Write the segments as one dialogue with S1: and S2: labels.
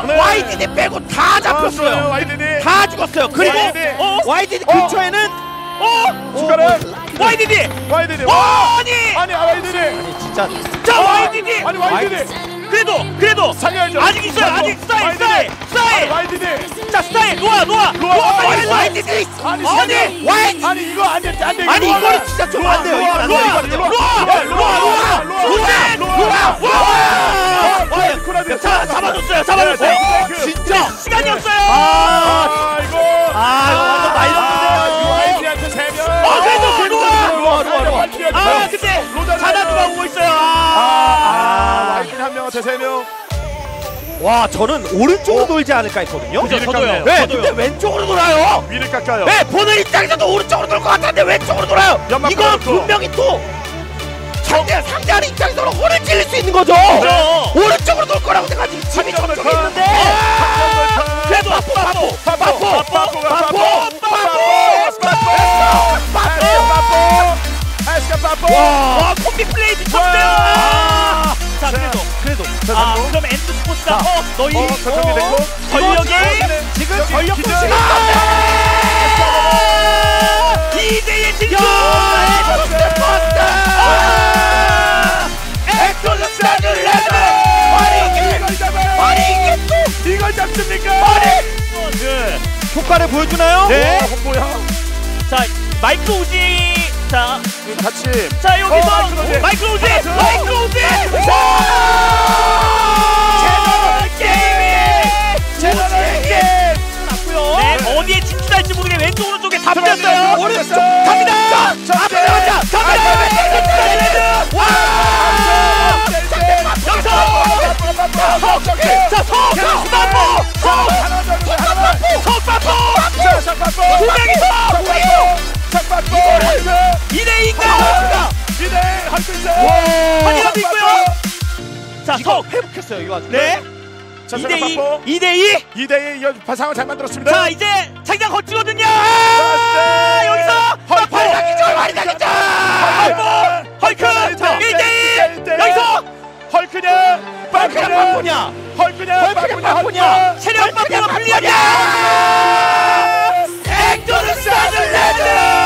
S1: 네.
S2: YDD 빼고 다 잡혔어요.
S1: YDD
S2: 다 죽었어요. 그리고 YDD 근처에는
S1: 추가를
S2: YDD
S1: YDD 아니 YDD
S2: 진짜
S1: 자
S2: YDD
S1: 아니 YDD
S2: 그래도
S1: 살려야죠.
S2: 아직 있어요. 아직 스타일
S1: YDD
S2: 자 스타일 놓아 YDD 아니 이거 안 돼. 아니 이거는 진짜 좀 안 돼요. 자 잡아줬어요. 진짜 시간이 없어요.
S1: 이거
S2: 완전 많이 넣었는데요.
S1: YDD한테 3명
S2: 그래도 근데 자나두가 오고 있어요.
S1: YDD 한 명한테 3명.
S2: 와 저는 오른쪽으로 돌지 않을까 했거든요.
S1: 저도요.
S2: 네, 근데 왼쪽으로 돌아요.
S1: 위를 깎아요.
S2: 네, 보는 입장에서도 오른쪽으로 돌 것 같았는데 왼쪽으로 돌아요. 이건 분명히 또 상대하는 입장에서는 혼을 찔릴 수 있는 거죠. 오른쪽으로 돌 거라고 생각하지. 집이 저쪽에 있는데. 그래도 와, 콤비 플레이 미쳤어요. 자, 그래도. 그럼 엔드 스포츠가 너희 전력이 지금 전력 포시가 2대1 진출! 엑소스타즈 레드! 아니 이게 또
S1: 이걸 잡습니까?
S2: 효과를 보여주나요?
S1: 네. 홍보야.
S2: 자, 마이크로 우지. 자,
S1: 같이.
S2: 자 여기서 마이크로 우지. 네, 어디에 진출할지 모르게 왼쪽 오른쪽에 다 풀렸어요. 오른쪽 갑니다. 앞에 나가자. 와! 석바포! 두 명이서! 2대2인가?
S1: 2대1 할수 있어요.
S2: 한이라도 있고요. 자, 석 회복했어요 이 와중에. 네. 2대2.
S1: 2대2 상황 잘 만들었습니다.
S2: 자, 이제 자기장 거치거든요. 여기서 많이 당기죠. 헐크 1대1. 여기서
S1: 헐크냐
S2: 빠꾸냐. 체력 빠꾸가 불리하냐. 엑소스타즈 레드.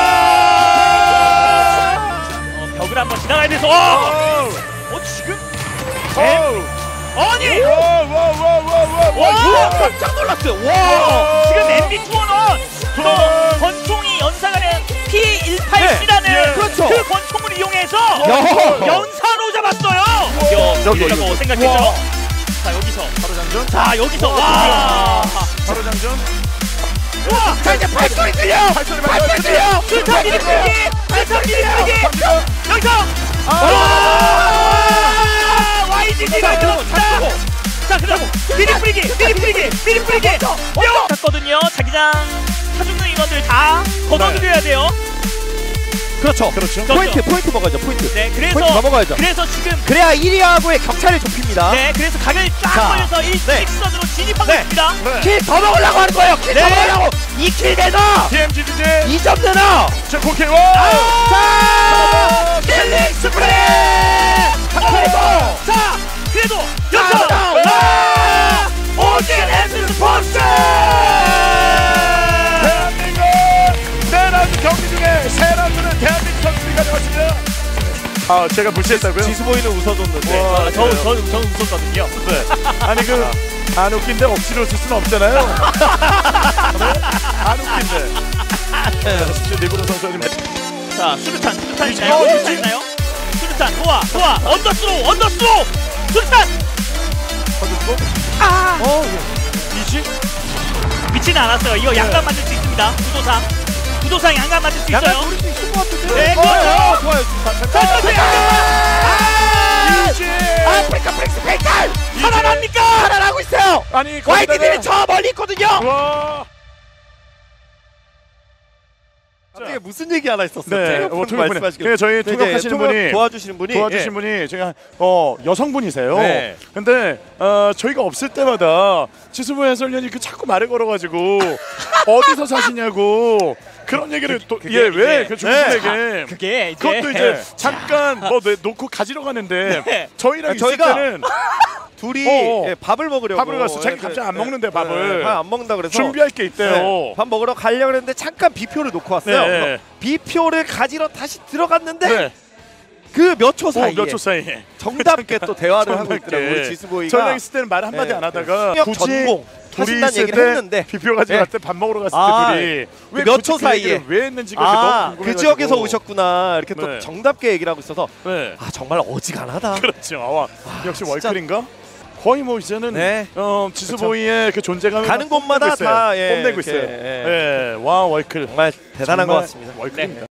S2: 벽을 한번 지나가야 돼서. 지금? 아니! 와! 깜짝 놀랐어요. 와! 지금 MB 투어는 권총이 연사가는 P18C라는 그 권총을 이용해서 연사로 잡았어요. 여기라고 생각했죠. 자, 여기서
S1: 바로 장전.
S2: 자, 여기서 와!
S1: 바로 장전.
S2: 와! 자, 이제 발소리 들려! 술탄 미리 풀기! 여기서! YDD가 들어왔다! 자, 그럼 미리 뿌리기! 탔거든요. 자기장 사중능 인원들 다 걷어들여야 돼요. 그렇죠. 포인트 먹어야죠.
S3: 네,
S2: 포인트 넘어가야죠. 그래서 지금 그래야 1위하고의 격차를 좁힙니다. 네, 그래서 각을 쫙 벌려서 1킥선으로 진입하고 있습니다. 킬 더 먹으려고 하는 거예요. 킬 더 먹으려고. 2킬 내놔.
S1: DMG
S2: 2점 내놔.
S1: 자, 고킬.
S2: 자, 킬링 스프레이. 자, 그래도 여기서 오진 엔드 스포츠.
S1: 대한민국 4라운드 경기 중에 3라운드는 대한민국 선수들이 가져갔습니다. 제가 무시했다고요?
S2: 지수보이는 웃어줬는데 전 웃었거든요.
S1: 네. 아니 안 웃긴데 억지로 웃을 수는 없잖아요. 안 웃긴데. 진짜 리브로 선수님.
S2: 자, 수류탄 있나요? 수류탄 도와 언더스로우 수류탄.
S1: 이지?
S2: 미치는 않았어요. 이거 양감 만들 수 있습니다. 구도상 양감 만들 수 있어요.
S3: 노릴 수 있을 것 같은데.
S2: 네, 그렇죠.
S3: 좋아요.
S2: 아프리카 프렉스 페이탈 살아납니까? 살아나고 있어요.
S1: 아니
S2: YDD는 저 멀리 있거든요.
S1: 와.
S3: 갑자기 무슨 얘기 하나 있었어요.
S1: 네,
S3: 말씀하시길.
S1: 저희 통역하시는 분이
S3: 도와주시는 분이
S1: 제가 여성분이세요.
S3: 네.
S1: 근데 저희가 없을 때마다 지수부 해설위원이 자꾸 말을 걸어가지고 어디서 사시냐고 그런 얘기를 그 중국에게
S2: 그게
S1: 그것도 이제 잠깐 놓고 가지러 가는데 저희랑 있을
S3: 저희가
S1: 때는
S3: 둘이 밥을 먹으려고.
S1: 밥을 갔어. 자기 갑자기 안 먹는데 밥을.
S3: 밥 안 먹는다 그래서
S1: 준비할 게 있대요.
S3: 밥 먹으러 가려고 했는데 잠깐 비표를 놓고 왔어요. 그래서 비표를 가지러 다시 들어갔는데 그 몇 초 사이에
S1: 몇 초 사이에
S3: 정답게 또 대화를 하고 있더라고요. 우리 지수보이가.
S1: 저랑 있을 때는 말 한마디 안 하다가 굳이
S3: 전공
S1: 둘이
S3: 하신다는
S1: 있을
S3: 얘기를
S1: 때
S3: 했는데
S1: 비표 가지고 갔을 때 밥 먹으러 갔을 때 둘이 왜
S3: 몇
S1: 굳이
S3: 초
S1: 그
S3: 사이에
S1: 얘기를 왜 했는지 너무
S3: 그 지역에서 오셨구나 이렇게 또
S1: 네.
S3: 정답게 얘기를 하고 있어서
S1: 아
S3: 정말 어지간하다.
S1: 그렇죠. 역시
S3: 진짜.
S1: 월클인가? 거의 뭐 이제는 지수보이의 그 존재감을
S3: 가는 곳마다 다
S1: 뽐내고 있어요. 와 월클
S3: 정말 대단한 것 같습니다.
S1: 월클입니다.